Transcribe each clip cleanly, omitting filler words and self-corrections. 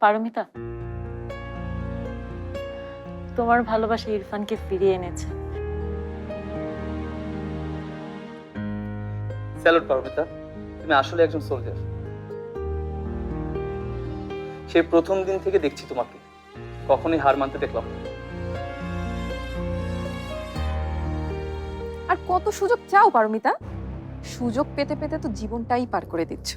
পারমিতা, তোমার ভালোবাসা ইরফানকে ফিরিয়ে এনেছে। স্যালুট পারমিতা, তুমি আসলে একজন সোলজার। সেই প্রথম দিন থেকে দেখছি তোমাকে, কখনোই হার মানতে দেখলাম না। আর কত সুযোগ চাও পারমিতা? সুযোগ পেতে পেতে তো জীবনটাই পার করে দিচ্ছ।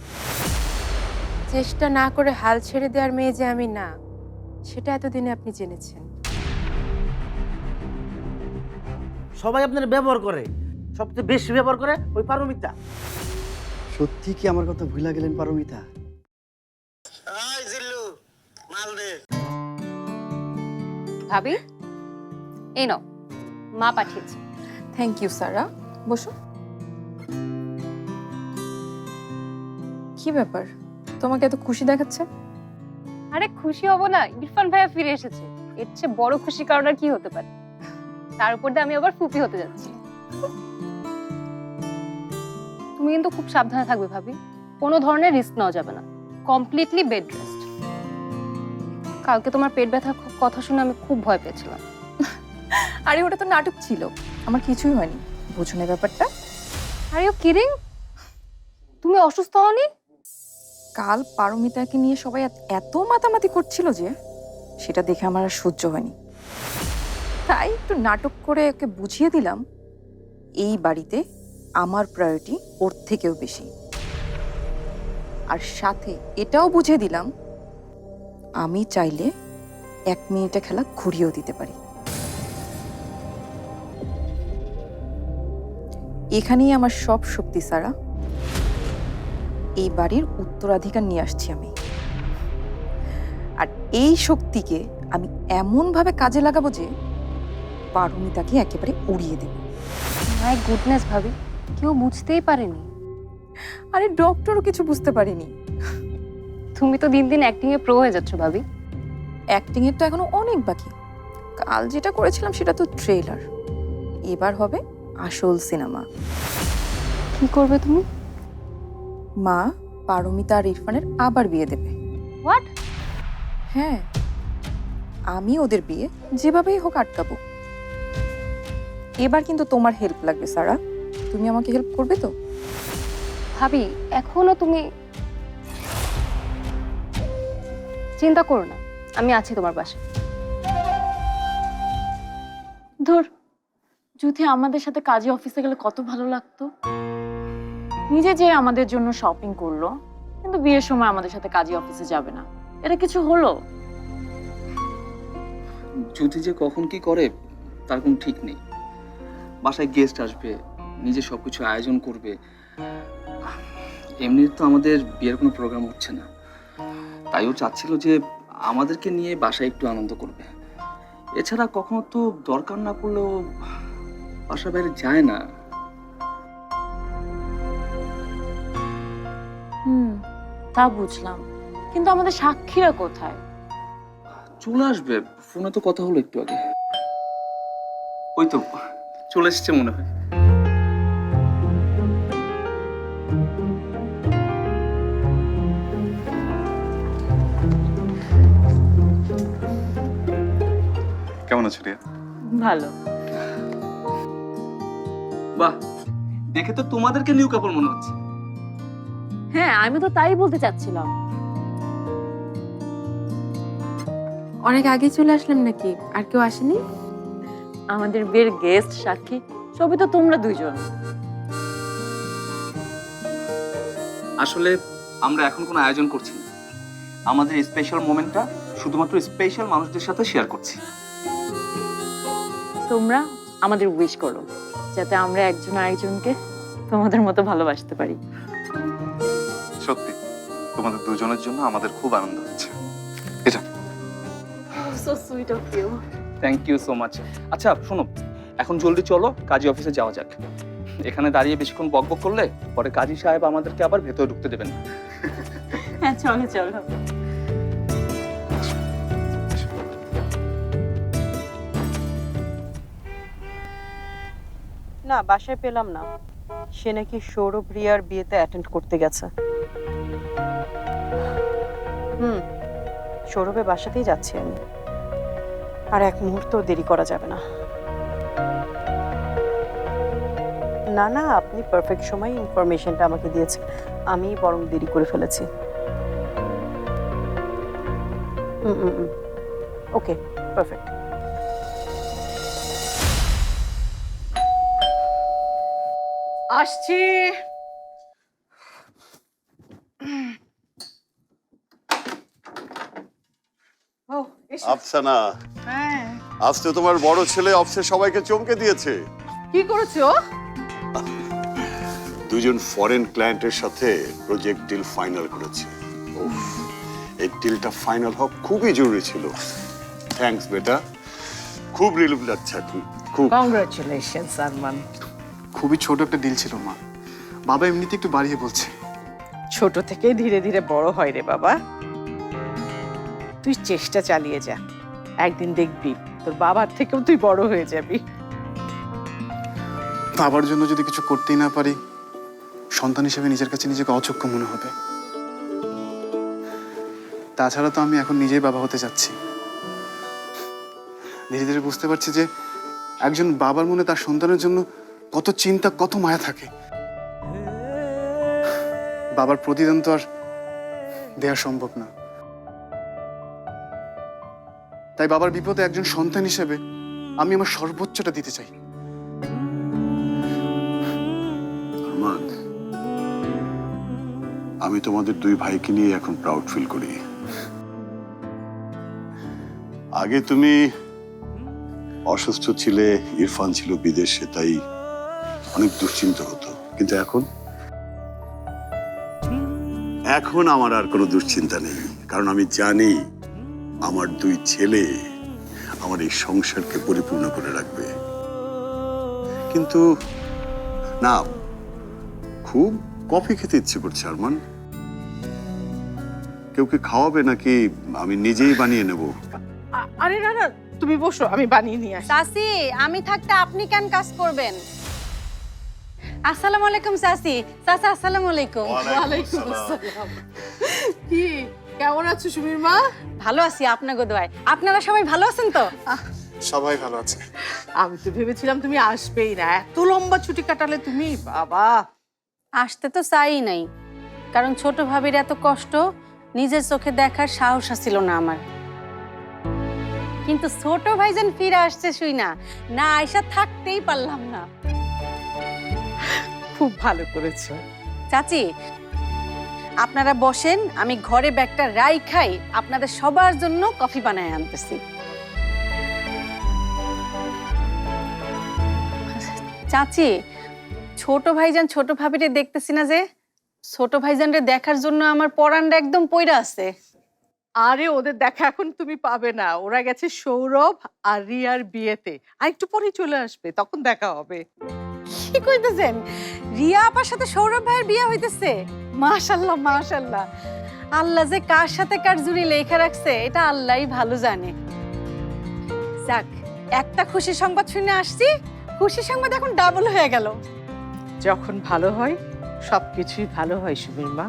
চেষ্টা না করে হাল ছেড়ে দেওয়ার মেয়ে যে আমি না, সেটা এতদিনে আপনি জেনেছেন। সবাই আপনার ব্যবহার করে, সবচেয়ে বেশি ব্যবহার করে ওই পারমিতা। সত্যি কি আমার কথা ভুলা গেলেন পারমিতা? ভাবি, এই নাও, মা পাঠিয়েছে। থ্যাংক ইউ সারা, বসো। কি ব্যাপার, তোমাকে এত খুশি দেখাচ্ছে? আরে খুশি হব না, ইরফান ভাইয়া ফিরে এসেছে। এর চেয়ে বড় খুশি কারণ আর কি হতে পারে? তার উপর দিয়ে আমি আবার ফুপি হতে যাচ্ছি। তুমি কিন্তু খুব সাবধানে থাকবে ভাবি, কোনো ধরনের রিস্ক নেওয়া যাবে না। Completely bed rest. কালকে তোমার পেট ব্যথার কথা শুনে আমি খুব ভয় পেয়েছিলাম। আরে ওটা তো নাটক ছিল, আমার কিছুই হয়নি। বুঝো না ব্যাপারটা? Are you kidding? তুমি অসুস্থ হওনি? কাল পারমিতাকে নিয়ে সবাই এত মাতামাতি করছিল যে সেটা দেখে আমার আর সহ্য হয়নি। তাই একটু নাটক করে ওকে বুঝিয়ে দিলাম এই বাড়িতে আমার প্রায়োরিটি ওর থেকেও বেশি। আর সাথে এটাও বুঝিয়ে দিলাম আমি চাইলে 1 মিনিটে খেলা ঘুরিয়েও দিতে পারি। এখানেই আমার সব শক্তি সারা। এই বাড়ির উত্তরাধিকার নিয়ে আসছি আমি, আর এই শক্তিকে আমি এমন ভাবে কাজে লাগাবো যে পারমিতাকে একেবারে উড়িয়ে দেব। মাই গুডনেস ভাবি, কেউ বুঝতেই পারেনি। আরে ডক্টরও কিছু বুঝতে পারেনি। তুমি তো দিন দিন অ্যাক্টিং এ প্রো হয়ে যাচ্ছ ভাবি। অ্যাক্টিং এর তো এখনো অনেক বাকি। কাল যেটা করেছিলাম সেটা তো ট্রেলার, এবার হবে আসল সিনেমা। কি করবে তুমি? মা পারমিতা আর ইরফানের আবার বিয়ে দেবে। হোয়াট? হ্যাঁ, আমি ওদের বিয়ে যেভাবেই হোক আটকাবো। এবার কিন্তু তোমার হেল্প লাগবে সারা, তুমি আমাকে হেল্প করবে তো? ভাবি, এখনো তুমি চিন্তা করো না, আমি আছি তোমার পাশে। ধুর, যদি আমাদের সাথে কাজী অফিসে গেলে কত ভালো লাগতো। নিজে যে আমাদের জন্য শপিং করলো, কিন্তু বিয়ের সময় আমাদের সাথে কাজী অফিসে যাবে না। এটা কিছু হলো? যদি যে কখন কি করে তার কোনো ঠিক নেই। বাসায় গেস্ট আসবে, নিজে সবকিছু আয়োজন করবে। এমনি তো আমাদের বিয়ের কোনো প্রোগ্রাম হচ্ছে না, তাইও চাচ্ছিল যে আমাদেরকে নিয়ে বাসায় একটু আনন্দ করবে। এছাড়া কখনো তো দরকার না পড়লেও বাসার বাইরে যায় না। তা বুঝলাম, কিন্তু আমাদের সাক্ষীরা কোথায়? চলে আসবে, ফোনে তো কথা হলো একটু আগে। ওই তো চলে এসেছে মনে হয়। কেমন আছো রিয়া? ভালো। বাহ, দেখে তো তোমাদেরকে নিউ কাপড় মনে হচ্ছে। হ্যাঁ, আমি তো তাই বলতে চাচ্ছিলাম। অনেক আগে চলে আসলাম নাকি? আর কেউ আসেনি? আমাদের বিয়ের গেস্ট সাক্ষী সবই তো তোমরা দুইজন। আসলে আমরা এখন কোনো আয়োজন করছি না, আমাদের স্পেশাল মোমেন্টটা শুধুমাত্র স্পেশাল মানুষদের সাথে শেয়ার করছি। তোমরা আমাদের উইশ করো যাতে আমরা একজন আরেকজনকে তোমাদের মতো ভালোবাসতে পারি। সত্যি তোমাদের দুজনের জন্য আমাদের খুব আনন্দ হচ্ছে। এটা so sweet of you. Thank you so much. আচ্ছা শোনো, এখন জলদি চলো কাজী অফিসে যাওয়া যাক। এখানে দাঁড়িয়ে বেশিক্ষণ বকবক করলে পরে কাজী সাহেব আমাদেরকে আবার ভেতরে ঢুকতে দেবেন না। হ্যাঁ, চলো চলো। না, বাসায় পেলাম না। সে নাকি সৌরভ রিয়ার বিয়েতে অ্যাটেন্ড করতে গেছে। সৌরভের বাসাতেই যাচ্ছি আমি। আর এক মুহূর্ত দেরি করা যাবে না। না না, আপনি পারফেক্ট সময় ইনফরমেশনটা আমাকে দিয়েছেন, আমি বরং দেরি করে ফেলেছি। Okay, perfect. আসছি। আফসানা, আজ তো তোমার বড় ছেলে অফিসের সবাইকে চমকে দিয়েছে। কি করেছো? দুজন ফরেন ক্লায়েন্টের সাথে প্রজেক্ট ডিল ফাইনাল করেছে। উফ, এই ডিলটা ফাইনাল হওয়া খুবই জরুরি ছিল। থ্যাঙ্কস বেটা, খুব রিলিফ লাগছে এখন, খুব। কংগ্রাচুলেশনস আরমান। খুবই ছোট একটা ডিল ছিল মা, বাবা এমনিতে একটু বাড়িয়ে বলছে। ছোট থেকে ধীরে ধীরে বড় হয় রে বাবা, তুই চেষ্টা চালিয়ে যা, একদিন দেখবি তোর বাবার থেকেও তুই বড় হয়ে যাবি। বাবার জন্য যদি কিছু করতেই না পারি, সন্তান হিসেবে নিজের কাছে নিজেকে অযোগ্য মনে হবে। তাছাড়া তো আমি এখন নিজেই বাবা হতে যাচ্ছি। ধীরে ধীরে বুঝতে পারছি যে একজন বাবার মনে তার সন্তানের জন্য কত চিন্তা, কত মায়া থাকে। বাবার প্রতিদান তো আর দেওয়া সম্ভব না। তাই বাবার বিপদে একজন সন্তান হিসেবে আমি আমার সর্বোচ্চটা দিতে চাই। আরমান, আমি তোমাদের দুই ভাইকে নিয়ে এখন প্রাউড ফিল করি। আগে তুমি অসুস্থ ছিলে, ইরফান ছিল বিদেশে, তাই অনেক দুশ্চিন্তা হতো, কিন্তু এখন আমার আর কোনো দুশ্চিন্তা নেই, কারণ আমি জানি আমার দুই ছেলে আমার এই সংসারকে পরিপূর্ণ করে রাখবে। কিন্তু না, খুব কফি খেতে ইচ্ছে করছে আরমান। কেউ কি খাওয়াবে নাকি আমি নিজেই বানিয়ে নেব? আরে না না, তুমি বসো, আমি বানিয়ে নিয়ে আসি। চাচি, আমি থাকতে আপনি কেন কাজ করবেন? আসসালামু আলাইকুম চাচি। চাচা আসসালামু আলাইকুম। ওয়ালাইকুম আসসালাম। কি কেমন আছো সুমির মা? ভালো আছি আপনাকে দোয়ায়। আপনারা সবাই ভালো আছেন তো? সবাই ভালো আছে। আমি তো ভেবেছিলাম তুমি আসবেই না, এত লম্বা ছুটি কাটালে তুমি। বাবা, আসতে তো চাই নাই, কারণ ছোট ভাবির এত কষ্ট নিজের চোখে দেখার সাহস ছিল না আমার। কিন্তু ছোট ভাইজান ফিরে আসছে শুই না আয়সা থাকতেই পারলাম না। খুব ভালো করেছো। চাচি, আপনারা বসেন, আমি ঘরে ব্যাগটা রাইখাই আপনাদের সবার জন্য কফি বানায় আনতেছি। চাচি, ছোট ভাইজান ছোট ভাবিরে দেখতেছি না যে? ছোট ভাইজানরে দেখার জন্য আমার পরানটা একদম পইরা আছে। আরে ওদের দেখা এখন তুমি পাবে না, ওরা গেছে সৌরভ আর রিয়ার বিয়েতে, আর একটু পরেই চলে আসবে, তখন দেখা হবে। কি কইতেছেন? রিয়া আপার সাথে সৌরভ ভাইয়ের বিয়ে হইতেছে? মাশাআল্লাহ মাশাআল্লাহ। আল্লাহ যে কার সাথে কার জুড়ি লেখা রাখছে এটা আল্লাহই ভালো জানে। যাক, একটা খুশি সংবাদ শুনে আসছি, খুশি সংবাদ এখন ডাবল হয়ে গেল। যখন ভালো হয় সবকিছুই ভালো হয় সুমির মা।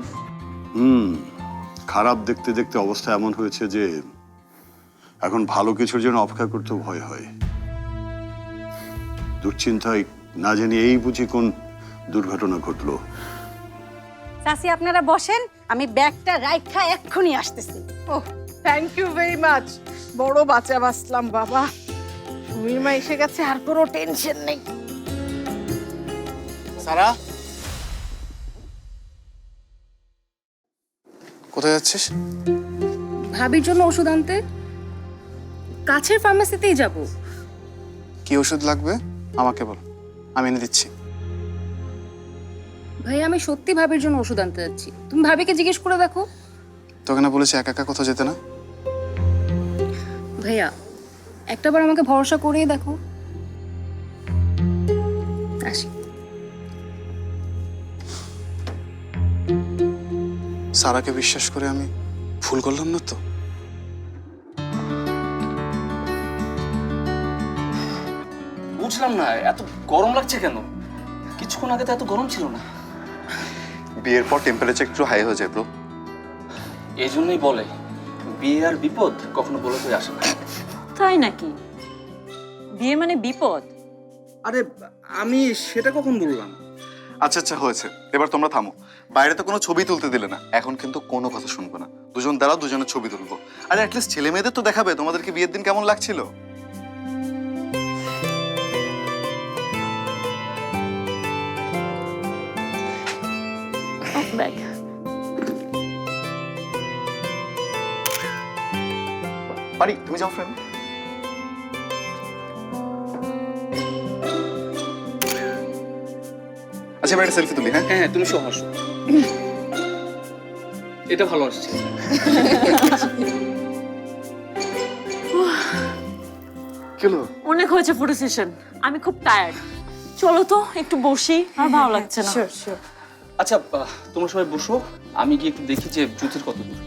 খারাপ দেখতে দেখতে অবস্থা এমন হয়েছে যে এখন ভালো কিছুর জন্য অপেক্ষা করতেও ভয় হয়। দুশ্চিন্তায় না জানি এই বুঝি কোন দুর্ঘটনা ঘটলো। চাচি, আপনারা বসেন, আমি ব্যাগটা রাইখা এক্ষুনি আসতেছি। Oh, thank you very much. বড় বাঁচা বাঁচলাম বাবা। সুমির মা এসে গেছে, আর কোনো টেনশন নেই। সারা, কোথায় যাচ্ছিস? ভাবির জন্য ওষুধ আনতে কাছের ফার্মেসিতেই যাব। কি ওষুধ লাগবে আমাকে বল, আমি এনে দিচ্ছি। ভাই, আমি সত্যি ভাবির জন্য ওষুধ আনতে যাচ্ছি, তুমি ভাবিকে জিজ্ঞেস করে দেখো। তোকে না বলেছি একা একা কোথাও যেতে না? ভাইয়া, একটাবার আমাকে ভরসা করেই দেখো। আসি। সারাকে বিশ্বাস করে আমি ভুল করলাম না তো? বুঝলাম না এত গরম লাগছে কেন? কিছুক্ষণ আগে তো এত গরম ছিল না। বিয়ের পর টেম্পারেচার একটু হাই হয়ে যায় ব্রো। এই জন্যই বলে বিয়ে আর বিপদ কখনো বলে হয়ে আসে না। তাই নাকি? বিয়ে মানে বিপদ? আরে আমি সেটা কখন বললাম? আচ্ছা আচ্ছা হয়েছে, এবার তোমরা থামো। বাইরে তো কোনো ছবি তুলতে দিলে না, এখন কিন্তু কোনো কথা শুনবো না। দুজন দাঁড়াও, দুজনের ছবি তুলবো। আরে অ্যাটলিস্ট ছেলে মেয়েদের তো দেখাবে তোমাদেরকে বিয়ের দিন কেমন লাগছিল। দেখ, পারি, তুমি যাও ফ্রেন্ড। আচ্ছা এবার একটা সেলফি তুলি। হ্যাঁ হ্যাঁ হ্যাঁ, তুমি সহ আসো। এটা ভালো আসছে। কেলো অনেক হয়েছে ফটো সেশন, আমি খুব টায়ার্ড। চলো তো একটু বসি, আর ভালো লাগছে না। Sure sure. আচ্ছা তোমরা সবাই বসো, আমি গিয়ে একটু দেখি যে জ্যোতির কত দূর।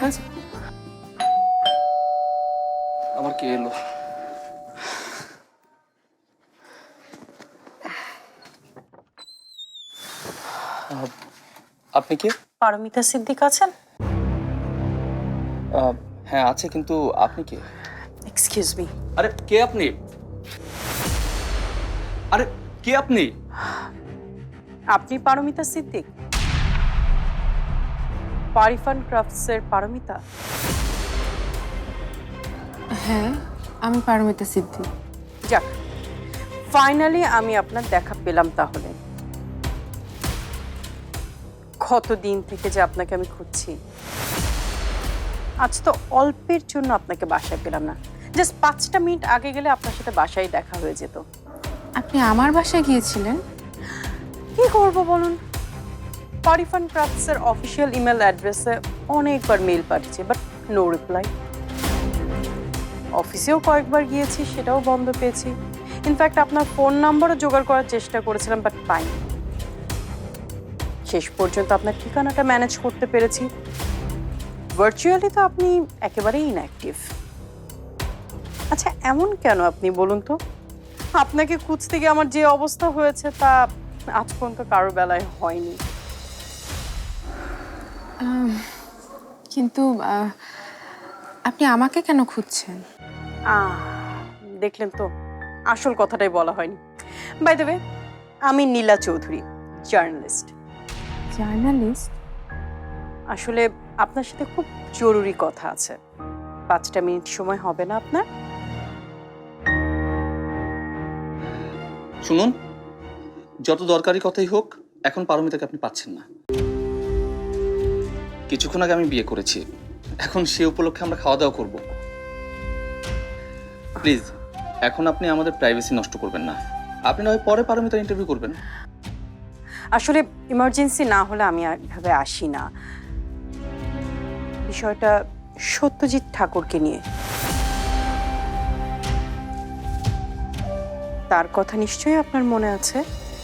আবার কে এলো? আপনি কে? পারমিতা সিদ্দিক আছেন? হ্যাঁ আছে, কিন্তু আপনি কে? এক্সকিউজ মি, আরে কে আপনি? আরে কে আপনি? আপনি পারমিতা সিদ্দিক? পারিফান ক্রাফটসের পারমিতা? হ্যাঁ, আমি পারমিতা সিদ্ধি। যাক, ফাইনালি আমি আপনার দেখা পেলাম তাহলে। কতদিন থেকে যে আপনাকে আমি খুঁজছি। আজ তো অল্পের জন্য আপনাকে বাসায় পেলাম না, জাস্ট 5টা মিনিট আগে গেলে আপনার সাথে বাসায় দেখা হয়ে যেত। আপনি আমার বাসায় গিয়েছিলেন? কি করবো বলুন, পারিফান ক্রাফটসের অফিসিয়াল ইমেল অ্যাড্রেসে অনেকবার মেল পাঠিয়েছি, বাট নো রিপ্লাই। অফিসেও কয়েকবার গিয়েছি, সেটাও বন্ধ পেয়েছি। ইনফ্যাক্ট আপনার ফোন নাম্বারও জোগাড় করার চেষ্টা করেছিলাম, বাট পাইনি। শেষ পর্যন্ত আপনার ঠিকানাটা ম্যানেজ করতে পেরেছি। ভার্চুয়ালি তো আপনি একেবারেই ইনঅ্যাক্টিভ। আচ্ছা এমন কেন আপনি বলুন তো? আপনাকে খুঁজতে গিয়ে আমার যে অবস্থা হয়েছে তা আজ পর্যন্ত কারো বেলায় হয়নি। কিন্তু আপনি আমাকে কেন খুঁজছেন? দেখলেন তো, আসল কথাটাই বলা হয়নি। বাই দ্য ওয়ে, আমি নীলা চৌধুরী, জার্নালিস্ট। জার্নালিস্ট? আসলে আপনার সাথে খুব জরুরি কথা আছে। 5টা মিনিট সময় হবে না আপনার? শুনুন, যত দরকারি কথাই হোক, এখন পারমিতাকে আপনি পাচ্ছেন না। কিছুক্ষণ আগে আমি বিয়ে করেছি, এখন সে উপলক্ষে আমরা খাওয়া দাওয়া করব। প্লিজ এখন আপনি আমাদের প্রাইভেসি নষ্ট করবেন না। আপনি নয় পরে পারমিতার ইন্টারভিউ করবেন। আসলে ইমার্জেন্সি না হলে আমি আর এভাবে আসি না। বিষয়টা সত্যজিৎ ঠাকুরকে নিয়ে। তার কথা নিশ্চয়ই আপনার মনে আছে।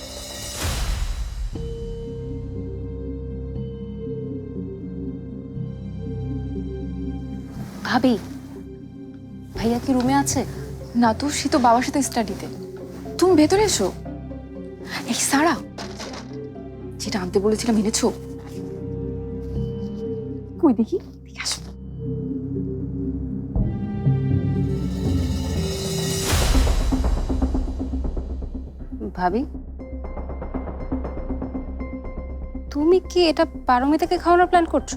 ভাবি, ভাইয়া কি রুমে আছে? না তো, সে তো বাবার সাথে স্টাডিতে। তুমি ভেতরে এসো। এই সারা, যেটা আনতে বলেছিলাম এনেছো? কই দেখি, দেখে আসো। ভাবি, তুমি কি এটা পারমিতাকে খাওয়ানোর প্ল্যান করছো?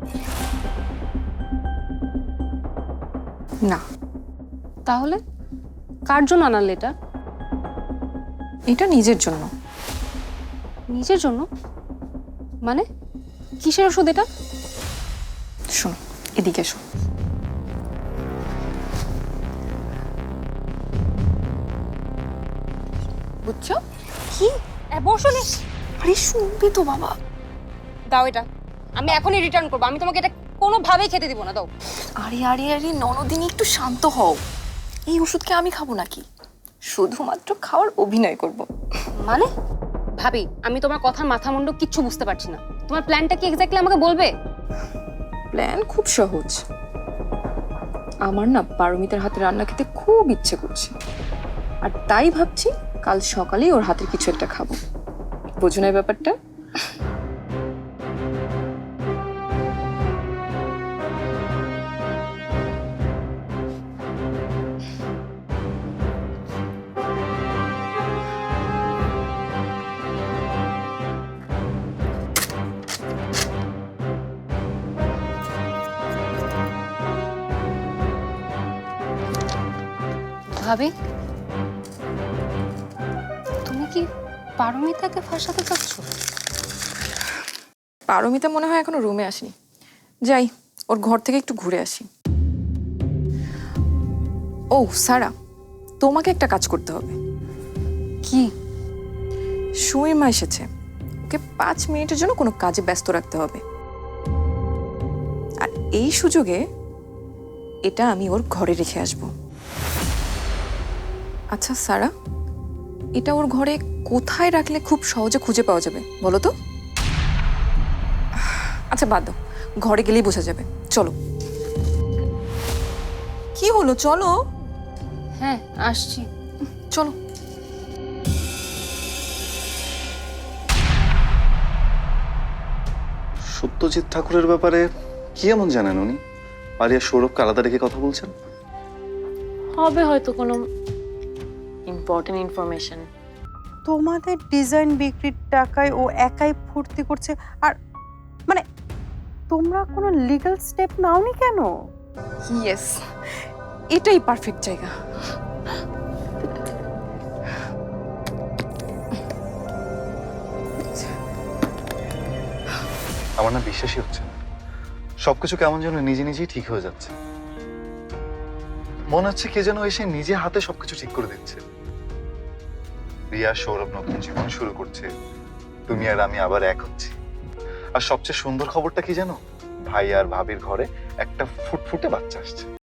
না। তাহলে কার জন্য আনালে এটা? এটা নিজের জন্য। নিজের জন্য মানে? কিসের ওষুধ এটা? শোনো, এদিকে এসো। বুঝছো? কি বসলে? আরে শুনবে তো বাবা। দাও এটা, আমি এখনই রিটার্ন করবো। আমি তোমাকে এটা কোনোভাবেই খেতে দিব না, দাও। আরে আরে আরে ননদিনী, একটু শান্ত হও। এই ওষুধকে আমি খাবো নাকি? শুধুমাত্র খাওয়ার অভিনয় করব। মানে? ভাবি, আমি তোমার কথার মাথা মুন্ডু কিচ্ছু বুঝতে পারছি না। তোমার প্ল্যানটা কি এক্স্যাক্টলি আমাকে বলবে? প্ল্যান খুব সহজ। আমার না পারমিতার হাতে রান্না খেতে খুব ইচ্ছে করছে, আর তাই ভাবছি কাল সকালেই ওর হাতের কিছু একটা খাবো। বোঝো না এই ব্যাপারটা? ভাবি, তুমি কি পারমিতাকে ফাঁসাতে চাচ্ছ? পারমিতা মনে হয় এখনো রুমে আসেনি। যাই, ওর ঘর থেকে একটু ঘুরে আসি। ও সারা, তোমাকে একটা কাজ করতে হবে। কি? সুইমা এসেছে, ওকে 5 মিনিটের জন্য কোনো কাজে ব্যস্ত রাখতে হবে। আর এই সুযোগে এটা আমি ওর ঘরে রেখে আসব। আচ্ছা সারা, এটা ওর ঘরে কোথায় রাখলে খুব সহজে খুঁজে পাওয়া যাবে বলো তো? আচ্ছা বাদ দাও, ঘরে গেলেই বোঝা যাবে। চলো। কি হলো, চলো। হ্যাঁ, আসছি। চলো। সত্যজিৎ ঠাকুরের ব্যাপারে কি এমন জানেন উনি? পারিয়া সৌরভকে আলাদা রেখে কথা বলছেন? হবে হয়তো কোনো ইম্পর্টেন্ট ইনফরমেশন। তোমাদের ডিজাইন বিক্রির টাকায় ও একাই ফুর্তি করছে, আর মানে তোমরা কোনো লিগ্যাল স্টেপ নাওনি কেন? ইয়েস, এটাই পারফেক্ট জায়গা। আমার না বিশ্বাসই হচ্ছে না, সবকিছু কেমন যেন নিজে নিজেই ঠিক হয়ে যাচ্ছে। মনে হচ্ছে কে যেন এসে নিজে হাতে সবকিছু ঠিক করে দিচ্ছে। রিয়া সৌরভ নতুন জীবন শুরু করছে, তুমি আর আমি আবার এক হচ্ছি। আর সবচেয়ে সুন্দর খবরটা কি জানো? ভাই আর ভাবির ঘরে একটা ফুটফুটে বাচ্চা আসছে।